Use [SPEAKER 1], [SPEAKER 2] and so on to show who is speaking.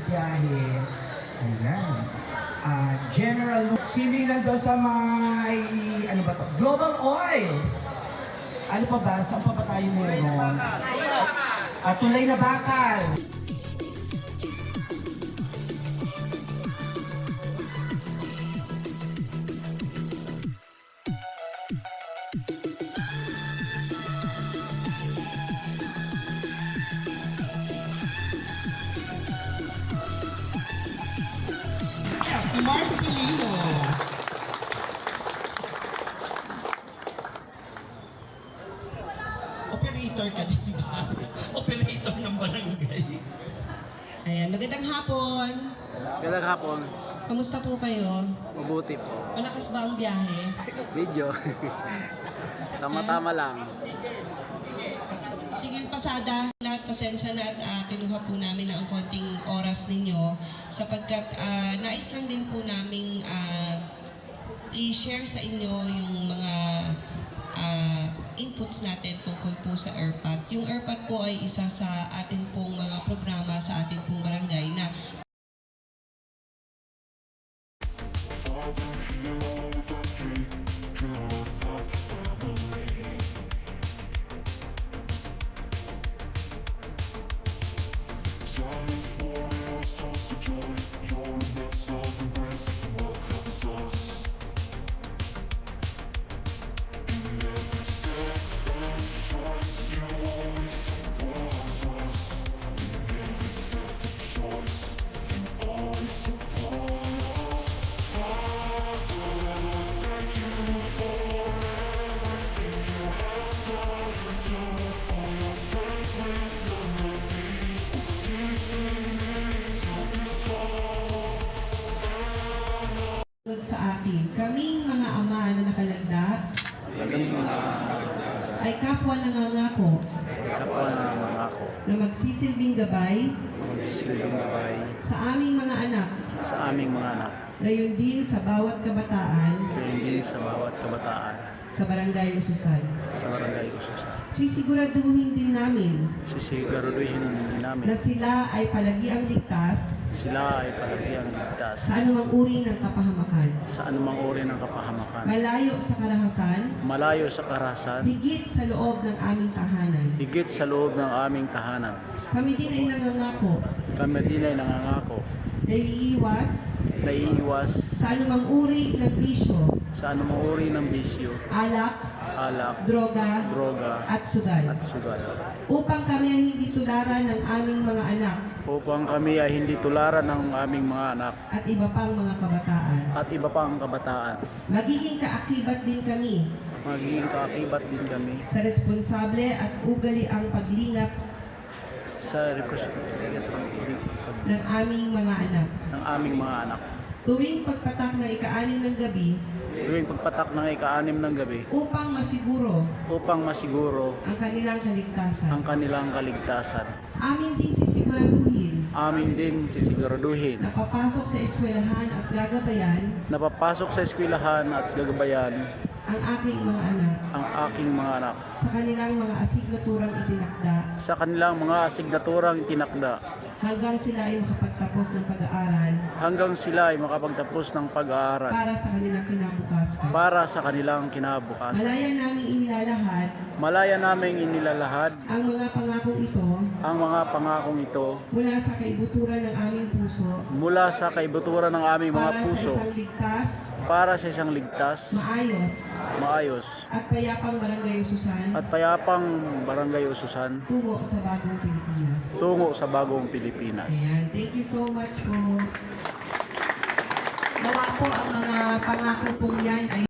[SPEAKER 1] biyahe. Ayan. General, sino yung nandun sa may, ano ba to? Global Oil. Ano pa ba? Saan pa ba tayo meron? Tulay na Bakal. Marcelino. Operator ka din ba? Operator ng barangay.
[SPEAKER 2] Ayan, magandang hapon.
[SPEAKER 3] Magandang hapon.
[SPEAKER 2] Kamusta po kayo?
[SPEAKER 3] Mabuti po.
[SPEAKER 2] Malakas ba ang biyahe?
[SPEAKER 3] Video. Tama-tama lang.
[SPEAKER 2] Tingin pasada, lahat pasensya na at kinuha po namin ang konting oras ninyo sapagkat nais lang din po naming i-share sa inyo yung mga inputs natin tungkol po sa ERPAT. Yung ERPAT po ay isa sa atin pong mga programa sa atin pong barangay na sa atin. Kaming mga ama na nakalagda ay kapwa nangangako
[SPEAKER 3] Kapwa na mga ako.
[SPEAKER 2] na magsisilbing gabay
[SPEAKER 3] Magsisilbing gabay
[SPEAKER 2] sa aming mga anak,
[SPEAKER 3] sa aming mga anak.
[SPEAKER 2] gayon din sa bawat kabataan
[SPEAKER 3] Kaya hindi sa bawat kabataan
[SPEAKER 2] sa Barangay Ususan.
[SPEAKER 3] sa barangay Ususan.
[SPEAKER 2] Sisiguraduhin din namin
[SPEAKER 3] Sisigaruduhin
[SPEAKER 2] na
[SPEAKER 3] namin
[SPEAKER 2] sila ay palagiang ligtas
[SPEAKER 3] sila ay palagiang ligtas
[SPEAKER 2] sa anumang uri ng kapahamakan,
[SPEAKER 3] sa anumang uri ng kapahamakan.
[SPEAKER 2] malayo sa karahasan,
[SPEAKER 3] Malayo sa karahasan,
[SPEAKER 2] higit sa loob ng aming tahanan.
[SPEAKER 3] higit sa loob ng aming tahanan.
[SPEAKER 2] Kami din ay nangangako
[SPEAKER 3] Kami din ay nangangako
[SPEAKER 2] na iiwas
[SPEAKER 3] na iiwas
[SPEAKER 2] sa anumang uri ng bisyo,
[SPEAKER 3] sa anumang uri ng bisyo,
[SPEAKER 2] alak,
[SPEAKER 3] alak,
[SPEAKER 2] droga,
[SPEAKER 3] droga,
[SPEAKER 2] at sugal,
[SPEAKER 3] at sugal.
[SPEAKER 2] upang kami ay hindi tularan ng aming mga anak
[SPEAKER 3] Upang kami ay hindi tularan ng aming mga anak
[SPEAKER 2] at iba pang mga kabataan.
[SPEAKER 3] at iba pang kabataan.
[SPEAKER 2] Magiging kaakibat din kami
[SPEAKER 3] Magiging kaakibat din kami
[SPEAKER 2] sa responsable at ugali ang paglingap
[SPEAKER 3] sa representative
[SPEAKER 2] ng aming mga anak.
[SPEAKER 3] ng aming mga anak.
[SPEAKER 2] Tuwing pagpatak ng ika-6 ng gabi,
[SPEAKER 3] Tuwing pagpatak ng ika-6 ng gabi
[SPEAKER 2] upang masiguro
[SPEAKER 3] upang masiguro
[SPEAKER 2] ang kanilang kaligtasan.
[SPEAKER 3] ang kanilang kaligtasan.
[SPEAKER 2] Amin din sisiguraduhin
[SPEAKER 3] Amin din sisiguraduhin
[SPEAKER 2] na papasok sa eskwelahan at gagabayan
[SPEAKER 3] na papasok sa eskwelahan at gagabayan
[SPEAKER 2] ang aking mga anak
[SPEAKER 3] ang aking mga anak
[SPEAKER 2] sa kanilang mga asignaturang itinakda
[SPEAKER 3] sa kanilang mga asignaturang itinakda
[SPEAKER 2] hanggang sila ay makapagtapos ng pag-aaral
[SPEAKER 3] hanggang sila ay makapagtapos ng pag-aaral
[SPEAKER 2] para sa kanilang kinabukasan.
[SPEAKER 3] para sa kanilang kinabukasan.
[SPEAKER 2] Malaya namin inilalahad
[SPEAKER 3] Malaya naming inilalahad
[SPEAKER 2] ang mga pangakong ito
[SPEAKER 3] ang mga pangakong ito
[SPEAKER 2] mula sa kaibuturan ng aming puso
[SPEAKER 3] mula sa kaibuturan ng aming mga
[SPEAKER 2] para
[SPEAKER 3] puso
[SPEAKER 2] sa isang ligtas,
[SPEAKER 3] para sa isang ligtas,
[SPEAKER 2] maayos,
[SPEAKER 3] maayos,
[SPEAKER 2] at payapang barangay Ususan
[SPEAKER 3] at payapang barangay Ususan
[SPEAKER 2] tungo sa bagong Pilipinas.
[SPEAKER 3] tungo sa bagong Pilipinas.
[SPEAKER 2] Ayan, thank you so much po. Nawa po ang mga pangako pong yan ay